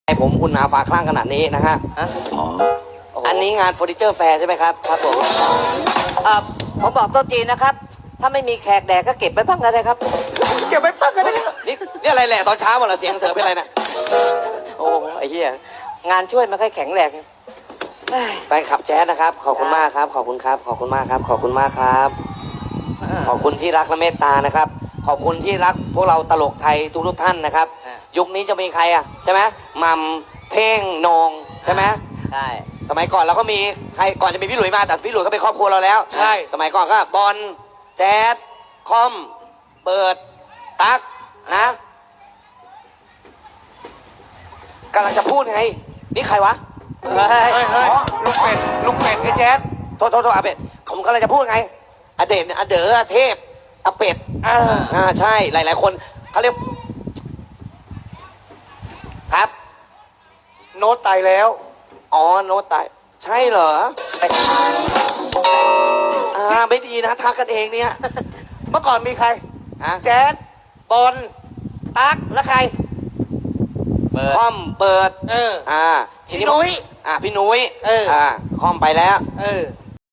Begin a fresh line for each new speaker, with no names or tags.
ผมอุ่นหนาฝาคลั่งขนาดนี้นะฮะอันนี้งานเฟอร์นิเจอร์แฟร์ใช่ไหมครับครับผมผมบอกโต๊ะจีนนะครับถ้าไม่มีแขกแดกก็เก็บไว้บ้างก็ได้ครับเก็บไว้บ้างก็ได้นี่อะไรแหละตอนเช้าหมดละเสียงเสือเป็นอะไรนะโอ้ไอ้เหี้ยงานช่วยมันค่อยแข็งแรงแฟนคลับแจ๊สนะครับขอบคุณมากครับขอบคุณครับขอบคุณมากครับขอบคุณมากครับขอบคุณที่รักและเมตตานะครับขอบคุณที่รักพวกเราตลกไทยทุกท่านนะครับยุคนี้จะมีใครอ่ะใช่ไหมมัมเท่งโหนงใช่ไหมใช่สมัยก่อนเราก็มีใครก่อนจะมีพี่หลุยมาแต่พี่หลุยก็เป็นครอบครัวเราแล้วใช่สมัยก่อนก็บอลแจ๊สคอมเปิดตั๊กนะกำลังจะพูดไงนี่ใครวะเฮ้ยลุงเป็ดไอ้แจ๊สโทษอาเป็ดผมกำลังจะพูดไงอเดชอเด๋อเทพอาเป็ดใช่หลายๆคนเขาเรียกครับโน้ตตายแล้วอ๋อโน้ตตายใช่เหรอไม่ดีนะทักกันเองเนี่ยเมื่อก่อนมีใครแจ๊ดบอลตั๊กแล้วใครคอมเปิดพี่นุ้ยพี่นุ้ยคอมไปแล้ว